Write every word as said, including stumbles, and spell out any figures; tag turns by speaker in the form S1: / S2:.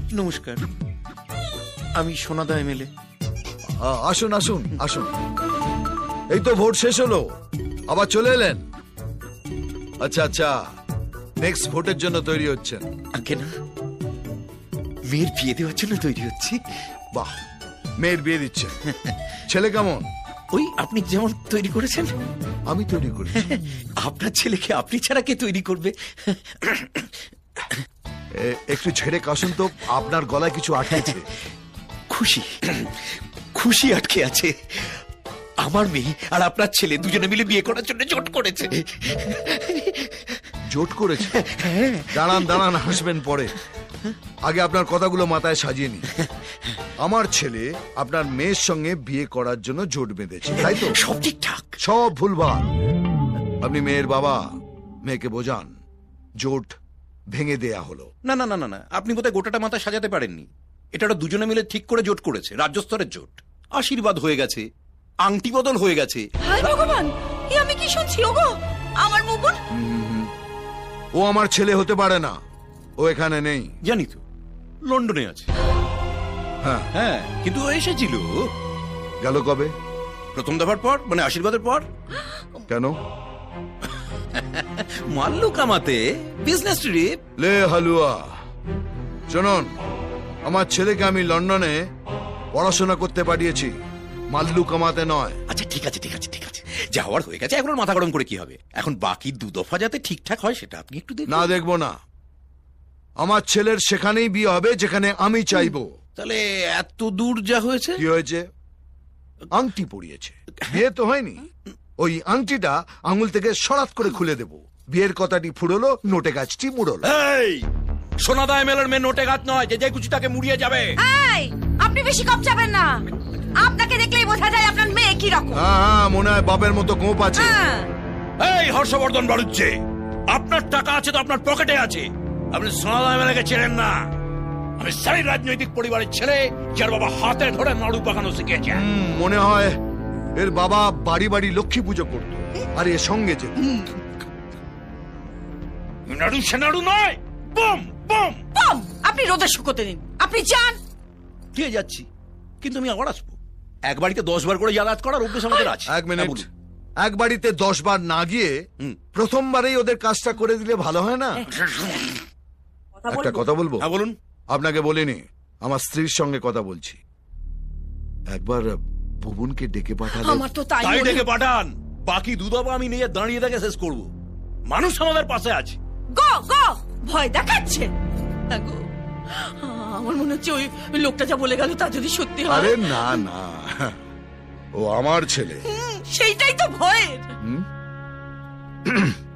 S1: নমস্কার, আমি সোনাদা এমএলএ।
S2: আ- আসুন আসুন আসুন, এই তো ভোট শেষ হলো, আবার চলে এলেন। আচ্ছা আচ্ছা, নেক্সট ভোটের জন্য তৈরি হচ্ছেন?
S1: আগে না, মেয়ের বিয়ে দেওয়ার জন্য তৈরি হচ্ছি।
S2: বাহ, মেয়ের বিয়ে দিচ্ছে। ছেলে কেমন?
S1: ওই আপনি যেমন তৈরি করেছেন।
S2: আমি তৈরি করি?
S1: আপনার ছেলেকে আপনি ছাড়া কে তৈরি করবে?
S2: এ- একটু ছেড়ে কাশুন তো, আপনার গলায় কিছু আটকেছে।
S1: খুশি, খুশি আটকে আছে। আমার মেয়ে আর আপনার ছেলে দুজনে মিলে বিয়ে করার জন্য জোট করেছে।
S2: জোট করেছে? দাঁড়ান দাঁড়ান, হাসবেন পরে, আগে আপনার কথাগুলো মাথায় সাজিয়ে নি। আমার ছেলে আপনার মেয়ের সঙ্গে বিয়ে করার জন্য জোট বেঁধেছে, তাই তো?
S1: সব ঠিকঠাক।
S2: সব ভুলভাল। আপনি মেয়ের বাবা, মেয়েকে বোঝান জোট ভেঙে দেয়া হলো।
S1: না না না না না, আপনি বোধহয় গোটাটা মাথা সাজাতে পারেননি। এটা ওরা দুজনে মিলে ঠিক করে জোট করেছে, রাজ্য স্তরের জোট। আশীর্বাদ হয়ে গেছে, আংটি বদল হয়ে গেছে।
S3: হায় ভগবান, এ আমি কি শুনছি? ওগো, আমার মুকুন।
S2: ও আমার ছেলে হতে পারে না, ও এখানে নেই।
S1: জানি তো, লন্ডনে আছে।
S2: হ্যাঁ,
S1: হ্যাঁ, কিন্তু ও এসেছিল
S2: গেল কবে?
S1: প্রথম দফার পর, মানে আশীর্বাদের পর।
S2: কেন?
S1: মাল্লু কামাতে, বিজনেস ট্রিপ।
S2: লে হালুয়া, শুনুন, আমার ছেলেকে আমি লন্ডনে পড়াশোনা করতে পাঠিয়েছি, মাল্লু কামাতে নয়।
S1: আচ্ছা ঠিক আছে ঠিক আছে ঠিক আছে, যা হওয়ার হয়ে গেছে, এখন ওর মাথা গরম করে কি হবে? এখন বাকি দু দফা যাতে ঠিকঠাক হয় সেটা আপনি একটু দেখুন।
S2: না, দেখবো না। আমার ছেলের সেখানেই বিয়ে হবে যেখানে আমি চাইবো।
S1: তাহলে এত দূর যা হয়েছে।
S2: কি হয়েছে? আংটি পরিয়েছে, বিয়ে তো হয়নি। ওই আংটিটা আঙুল থেকে সরাত করে খুলে দেব। বিয়ের কথাটি ফুরলো, নোটে গাছটি মুড়লো।
S1: এই সোনাদা এমএলএর মেয়ে নোটে গাছ নয় যে যে খুশি তাকে মুড়িয়ে যাবে।
S3: এই, আপনি বেশি কম যাবেন না। আপনাকে দেখলেই বোঝা যায় আপনার মেয়ে কি রকম।
S2: হ্যাঁ হ্যাঁ, মনে হয় বাপের মতো গোপ আছে।
S3: হ্যাঁ।
S1: এই হর্ষবর্ধন বাড়ুচ্ছে, আপনার টাকা আছে তো আপনার পকেটে আছে। আপনি সোনাদা এমএলএকে চেনেন না। আমি সেই রাজনৈতিক পরিবারের ছেলে যার বাবা হাতে ধরে নাড়ু পাকানো শিখেছে।
S2: হুম, মনে হয় এর বাবা বাড়ি বাড়ি লক্ষ্মী পুজো করতো আর এর সঙ্গে যেত।
S1: নাড়ু সে নাড়ু নয়, বম বম।
S3: বম, আপনি রোদে শুকোতে দিন। আপনি যান।
S1: দিয়ে যাচ্ছি, কিন্তু আমি আবার আসবো। এক বাড়িতে দশ বার করে যাতায়াত করার অভ্যেস আমাদের আছে।
S2: এক মিনিট,
S1: হ্যাঁ, বলুন।
S2: এক বাড়িতে দশ বার না গিয়ে
S1: হুম।
S2: প্রথমবারেই ওদের কাজটা করে দিলে ভালো হয় না? একটা কথা বলবো?
S1: হ্যাঁ বলুন।
S2: আপনাকে বলিনি, আমার স্ত্রীর সঙ্গে কথা বলছি। একবার ভুবনকে ডেকে পাঠালে।
S3: আমার তো তাই
S1: তাই
S3: মনে-
S1: ডেকে পাঠান, বাকি দুধাবা আমি নিয়ে দাঁড়িয়ে দেখে শেষ করব। মানুষ আমাদের পাশে আছে।
S3: গো গো, ভয় দেখাচ্ছে। হ্যাঁ গো, আমার মনে হচ্ছে ওই লোকটা যা বলে গেল তা যদি সত্যি হয়।
S2: আরে না না, ও আমার ছেলে।
S3: হুম, সেইটাই তো ভয়ের।
S2: হুম?